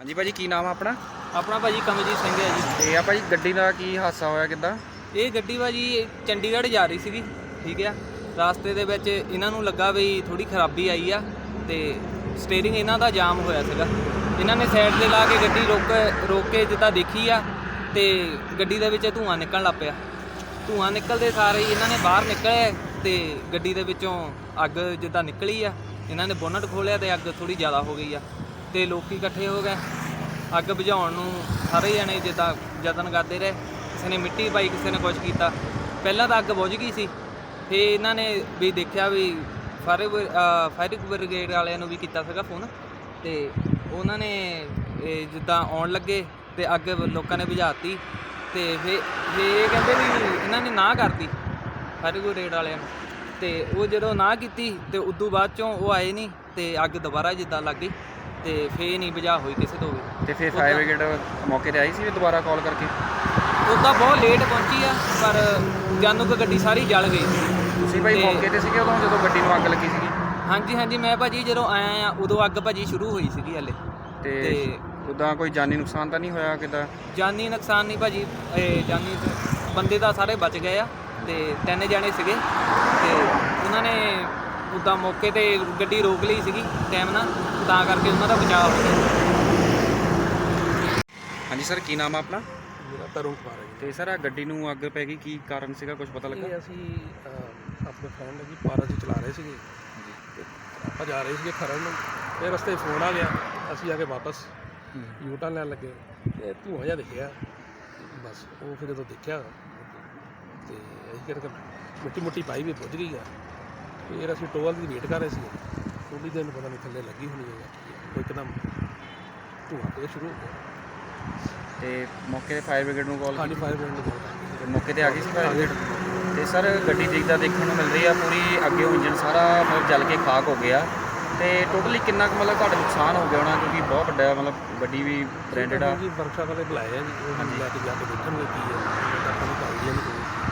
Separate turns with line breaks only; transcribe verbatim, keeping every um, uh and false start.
जी भाजी की नाम है अपना?
अपना भाजी कमलजीत सिंह है जी।
ਤੇ ਆ ਭਾਜੀ ਗੱਡੀ ਦਾ ਕੀ ਹਾਦਸਾ ਹੋਇਆ ਕਿੱਦਾਂ?
ਇਹ ਗੱਡੀ ਭਾਜੀ ਚੰਡੀਗੜ੍ਹ ਜਾ ਰਹੀ ਸੀਗੀ, ਠੀਕ ਆ। ਰਾਸਤੇ ਦੇ ਵਿੱਚ ਇਹਨਾਂ ਨੂੰ ਲੱਗਾ ਵੀ ਥੋੜੀ ਖਰਾਬੀ ਆਈ ਆ ਤੇ ਸਟੀਅਰਿੰਗ ਇਹਨਾਂ ਦਾ ਜਾਮ ਹੋਇਆ ਸੀਗਾ। ਇਹਨਾਂ ਨੇ ਸਾਈਡ ਤੇ ਲਾ ਕੇ ਗੱਡੀ ਰੋਕ ਰੋਕ ਕੇ ਜਿੱਦਾਂ ਦੇਖੀ ਆ ਤੇ ਗੱਡੀ ਦੇ ਵਿੱਚ ਧੂੰਆਂ ਨਿਕਲਣ ਲੱਗ ਪਿਆ। ਧੂੰਆਂ ਨਿਕਲਦੇ ਸਾਰੇ ਹੀ ਇਹਨਾਂ ਨੇ ਬਾਹਰ ਨਿਕਲੇ ਤੇ ਗੱਡੀ ਦੇ ਵਿੱਚੋਂ ਅੱਗ ਜਿੱਦਾਂ ਨਿਕਲੀ ਆ, ਇਹਨਾਂ ਨੇ ਬੋਨਟ ਖੋਲ੍ਹਿਆ ਤੇ ਅੱਗ ਥੋੜੀ ਜ਼ਿਆਦਾ ਹੋ ਗਈ ਆ ਤੇ ਲੋਕੀ ਇਕੱਠੇ ਹੋ ਗਏ ਅੱਗ ਬੁਝਾਉਣ ਨੂੰ। ਸਾਰੇ ਜਣੇ ਜਿੱਦਾਂ ਯਤਨ ਕਰਦੇ ਰਹੇ, ਕਿਸੇ ਨੇ ਮਿੱਟੀ ਪਾਈ, ਕਿਸੇ ਨੇ ਕੁਝ ਕੀਤਾ। ਪਹਿਲਾਂ ਤਾਂ ਅੱਗ ਬੁਝ ਗਈ ਸੀ, ਫਿਰ ਇਹਨਾਂ ਨੇ ਵੀ ਦੇਖਿਆ ਵੀ ਫਾਇਰ ਫਾਇਰ ਬ੍ਰਿਗੇਡ ਵਾਲਿਆਂ ਨੂੰ ਵੀ ਕੀਤਾ ਸੀਗਾ ਫੋਨ ਤੇ ਉਹਨਾਂ ਨੇ ਇਹ ਜਿੱਦਾਂ ਆਉਣ ਲੱਗੇ ਤੇ ਅੱਗ ਲੋਕਾਂ ਨੇ ਬੁਝਾਤੀ ਤੇ ਫਿਰ ਇਹ ਕਹਿੰਦੇ ਵੀ ਇਹਨਾਂ ਨੇ ਨਾ ਕਰਤੀ ਫਾਇਰ ਬ੍ਰਿਗੇਡ ਵਾਲਿਆਂ ਨੂੰ। ਤੇ ਉਹ ਜਦੋਂ ਨਾ ਕੀਤੀ ਤੇ ਉਦੋਂ ਬਾਅਦ ਚੋਂ ਉਹ ਆਏ ਨਹੀਂ ਤੇ ਅੱਗ ਦੁਬਾਰਾ ਜਿੱਦਾਂ ਲੱਗ ਗਈ ਤੇ ਫੇਰ ਨਹੀਂ ਬੁਝਾ ਹੋਈ ਕਿਸੇ ਤੋਂ ਵੀ।
ਤੇ ਫਿਰ ਫਾਇਰ ਬ੍ਰਿਗੇਡ ਮੌਕੇ ਤੇ ਆਈ ਸੀ ਦੁਬਾਰਾ ਕਾਲ ਕਰਕੇ?
ਉੱਦਾਂ ਬਹੁਤ ਲੇਟ ਪਹੁੰਚੀ ਆ, ਪਰ ਜਾਨੂ ਕਿ ਗੱਡੀ ਸਾਰੀ ਜਲ ਗਈ।
ਤੁਸੀਂ ਭਾਈ ਮੌਕੇ ਤੇ ਸੀਗੇ ਉਦੋਂ ਜਦੋਂ ਗੱਡੀ ਨੂੰ ਅੱਗ ਲੱਗੀ ਸੀਗੀ?
ਹਾਂਜੀ ਹਾਂਜੀ, ਮੈਂ ਭਾਜੀ ਜਦੋਂ ਆਇਆ ਆ ਉਦੋਂ ਅੱਗ ਭਾਜੀ ਸ਼ੁਰੂ ਹੋਈ ਸੀਗੀ ਹਲੇ।
ਤੇ ਉੱਦਾਂ ਕੋਈ ਜਾਨੀ ਨੁਕਸਾਨ ਤਾਂ ਨਹੀਂ ਹੋਇਆ ਕਿੱਦਾਂ?
ਜਾਨੀ ਨੁਕਸਾਨ ਨਹੀਂ ਭਾਜੀ, ਇਹ ਜਾਨੀ ਬੰਦੇ ਤਾਂ ਸਾਰੇ ਬਚ ਗਏ ਆ ਤੇ ਤਿੰਨ ਜਣੇ ਸੀਗੇ ਤੇ ਉਹਨਾਂ ਨੇ ਉੱਦਾਂ ਮੌਕੇ ਤੇ ਗੱਡੀ ਰੋਕ ਲਈ ਸੀਗੀ ਟਾਈਮ ਨਾਲ, ਤਾਂ ਕਰਕੇ ਉਹਨਾਂ ਦਾ ਬਚਾਅ ਹੋ ਗਿਆ।
ਹਾਂਜੀ ਸਰ, ਕੀ ਨਾਮ ਆ ਆਪਣਾ?
ਮੇਰਾ ਤਰੁਣ ਕੁਮਾਰ ਹੈ ਜੀ।
ਤੇ ਸਰ ਆ ਗੱਡੀ ਨੂੰ ਅੱਗ ਪੈ ਗਈ, ਕੀ ਕਾਰਨ ਸੀਗਾ, ਕੁਝ ਪਤਾ ਲੱਗਾ?
ਇਹ ਅਸੀਂ ਅਹ, ਆਪਣੇ ਫਰੈਂਡ ਜੀ ਪਾਰਾ 'ਚ ਚਲਾ ਰਹੇ ਸੀਗੇ ਤੇ ਆਪਾਂ ਜਾ ਰਹੇ ਸੀਗੇ ਖਰੜ ਨੂੰ। ਫਿਰ ਰਸਤੇ ਫੋਨ ਆ ਗਿਆ, ਅਸੀਂ ਆ ਕੇ ਵਾਪਸ ਯੂ ਟਰਨ ਲੈਣ ਲੱਗੇ ਤੇ ਧੂੰਆਂ ਜਿਹਾ ਦਿਖਿਆ। ਬਸ ਉਹ ਫਿਰ ਜਦੋਂ ਦੇਖਿਆ ਤੇ ਅਸੀਂ ਕਿਹਾ ਮਿੱਟੀ ਮੁੱਟੀ ਪਾਈ ਵੀ ਪੁੱਜ ਗਈ ਆ। ਫਿਰ ਅਸੀਂ ਟੋਲ ਦੀ ਵੇਟ ਕਰ ਰਹੇ ਸੀ, ਥੋੜੀ ਦਿਨ ਪਤਾ ਨਹੀਂ ਥੱਲੇ ਲੱਗੀ ਹੋਣੀ ਹੈ, ਇੱਕਦਮ ਧੂੰਆਂ ਤੇ ਸ਼ੁਰੂ ਹੋ ਗਿਆ।
ਤੇ ਮੌਕੇ ਤੇ ਫਾਇਰ ਬ੍ਰਿਗੇਡ ਨੂੰ ਕਾਲ
ਖਾਲੀ
ਕੀਤੀ?
ਫਾਇਰ ਬ੍ਰਿਗੇਡ ਨੂੰ call
ਤੇ ਮੌਕੇ ਤੇ ਆ ਗਈ ਸੀ ਫਾਇਰ ਬ੍ਰਿਗੇਡ? ਤੇ ਸਰ ਗੱਡੀ ਦੇਖਦਾ ਦੇਖਣ ਨੂੰ ਮਿਲ ਰਹੀ ਆ ਪੂਰੀ ਅੱਗੇ ਇੰਜਨ ਸਾਰਾ ਮਤਲਬ ਜਲ ਕੇ ਖਾਕ ਹੋ ਗਿਆ। ਤੇ ਟੋਟਲੀ ਕਿੰਨਾ ਕੁ ਮਤਲਬ ਤੁਹਾਡਾ ਨੁਕਸਾਨ ਹੋ ਗਿਆ ਹੋਣਾ, ਕਿਉਂਕਿ ਬਹੁਤ ਵੱਡਾ ਮਤਲਬ ਗੱਡੀ ਵੀ ਬ੍ਰਾਂਡਡ ਆ।
ਜੀ ਵਰਕਸ਼ਾਪ ਵਾਲੇ ਬੁਲਾਏ ਆ ਜੀ, ਉਹ ਲੈ ਕੇ ਜਾ ਕੇ ਦੇਖਣਗੇ ਕੀ ਹੈ, ਆਪਾਂ ਨੂੰ ਕੋਈ ਆਈਡੀਆ ਨਹੀਂ ਕੋਈ।